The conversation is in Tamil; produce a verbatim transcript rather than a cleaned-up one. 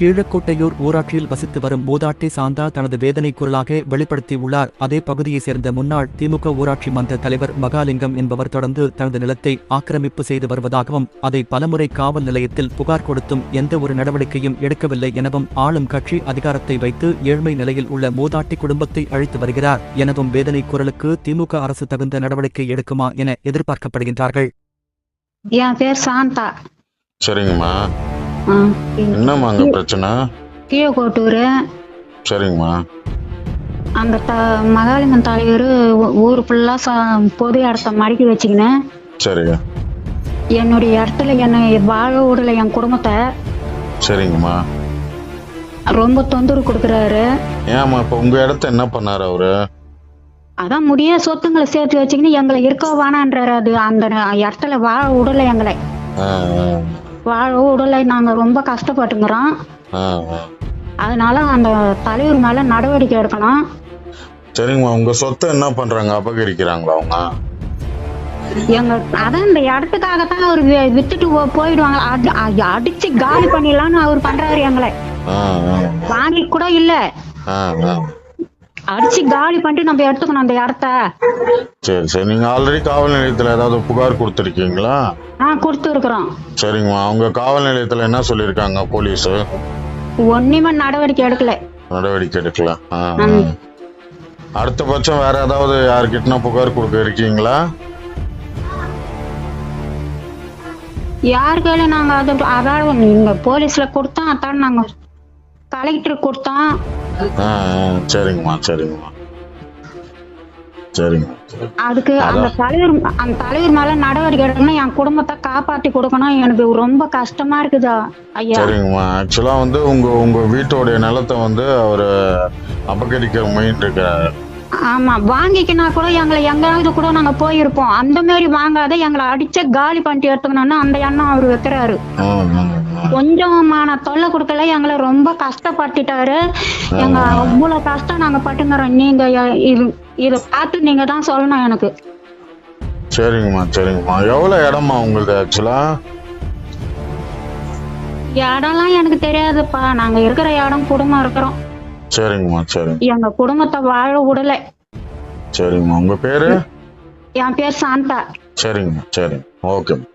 கீழக்கோட்டையூர் ஊராட்சியில் வசித்து வரும் மூதாட்டி சாந்தா தனது வேதனை குரலாக வெளிப்படுத்தியுள்ளார். அதே பகுதியைச் சேர்ந்த முன்னாள் திமுக ஊராட்சி மன்ற தலைவர் மகாலிங்கம் என்பவர் தொடர்ந்து தனது நிலத்தை ஆக்கிரமிப்பு செய்து வருவதாகவும், அதை பலமுறை காவல் நிலையத்தில் புகார் கொடுத்தும் எந்த ஒரு நடவடிக்கையும் எடுக்கவில்லை எனவும், ஆளும் கட்சி அதிகாரத்தை வைத்து ஏழ்மை நிலையில் உள்ள மூதாட்டி குடும்பத்தை அழித்து வருகிறார் எனவும் வேதனை குரலுக்கு திமுக அரசு தகுந்த நடவடிக்கை எடுக்குமா என எதிர்பார்க்கப்படுகின்றார்கள். என் பேர் சாந்தா. சரிங்கம்மா. என்னம்மா அங்க பிரச்சனை? கீழக்கோட்டூர். சரிங்கம்மா. அந்த த மகாலிங்கம் தலைவர் ஊர் ஃபுல்லா பொது இடத்த மடக்கி வச்சுக்கினேன். சரிங்க. என்னுடைய இடத்துல என்னை வாழ விடல, என் குடும்பத்தை. சரிங்கம்மா. ரொம்ப தொந்தரவு கொடுக்குறாரு. ஏம்மா இப்ப உங்க இடத்த என்ன பண்ணாரு அவரு? அதான் முடிய சொத்துங்களை சேர்த்து வச்சுக்கின்னு எங்களை இருக்க வேணான்றாரு. அது அந்த இடத்துல வாழ விடல, எங்களை வாழ விடலை. நாங்க ரொம்ப கஷ்டப்பட்டுங்கிறோம். அதனால அந்த தலைவர் மேல நடவடிக்கை எடுக்கணும். சரிங்கம்மா. உங்க சொத்தை என்ன பண்றாங்க? அபகரிக்கிறாங்களா அவங்க? எங்க அதான் இந்த இடத்துக்காகத்தான் அவர் வித்துட்டு போயிடுவாங்க. அடிச்சு காலி பண்ணிடலாம்னு அவர் பண்றாரு. எங்களை வாங்கி கூட இல்ல, அடிச்சு காலி பண்ணிட்டு நம்ம எடுத்துக்கணும் அந்த இடத்த. சரி சரி. நீங்க ஆல்ரெடி காவல் நிலையத்துல ஏதாவது புகார் கொடுத்துருக்கீங்களா? ஆ, கொடுத்துருக்குறோம். சரிங்கம்மா. அவங்க காவல் நிலையத்துல என்ன சொல்லிருக்காங்க போலீஸ்? ஒண்ணுமே நடவடிக்கை எடுக்கல. நடவடிக்கை எடுக்கல. அடுத்த பட்சம் வேற ஏதாவது யாருக்கிட்டனா புகார் கொடுக்க இருக்கீங்களா? யாருக்கையில நாங்க அது அதாவது நீங்க போலீஸ்ல கொடுத்தோம், அதான் நாங்க கலெக்டர் கொடுத்தோம். சரிங்கம்மா. சரிங்கம்மா. சரிங்க. அதுக்கு அந்த தலைவர் அந்த தலைவர் மேல நடவடிக்கை எடுக்கணும். என் குடும்பத்தை காப்பாத்தி கொடுக்கணும். எனக்கு ரொம்ப கஷ்டமா இருக்குதா ஐயா. சரிங்கம்மா. ஆக்சுவலா வந்து உங்க உங்க வீட்டோடைய நிலத்தை வந்து அவரு அபகரிக்க முயன்று இருக்கிறாரு. ஆமா, வாங்கிக்கினா கூட எங்களை எங்காவது கூட நாங்க போயிருப்போம். அந்த மாதிரி வாங்காத எங்களை அடிச்ச காலி பண்ணிட்டு எடுத்துக்கணும்னு அந்த எண்ணம் அவரு வைக்கிறாரு. கொஞ்சமான தொல்லை கொடுக்கல, எங்களை ரொம்ப கஷ்டப்பட்டுட்டாரு. எங்க அவ்வளவு கஷ்டம் நாங்க பட்டுங்கிறோம். நீங்க இது இத பார்த்து நீங்க தான் சொல்லணும் எனக்கு. சரிங்கம்மா. சரிங்கம்மா. எவ்வளவு இடமா உங்களுக்கு? ஆக்சுவலா இடம்லாம் எனக்கு தெரியாதுப்பா. நாங்க இருக்கிற இடம் குடும்பம் இருக்கிறோம். சரிங்கம்மா. சரி. எங்க குடும்பத்தை வாழ விடல. சரிங்கம்மா. உங்க பேரு? என் பேர் சாந்தா. சரிங்கம்மா. சரி. ஓகே.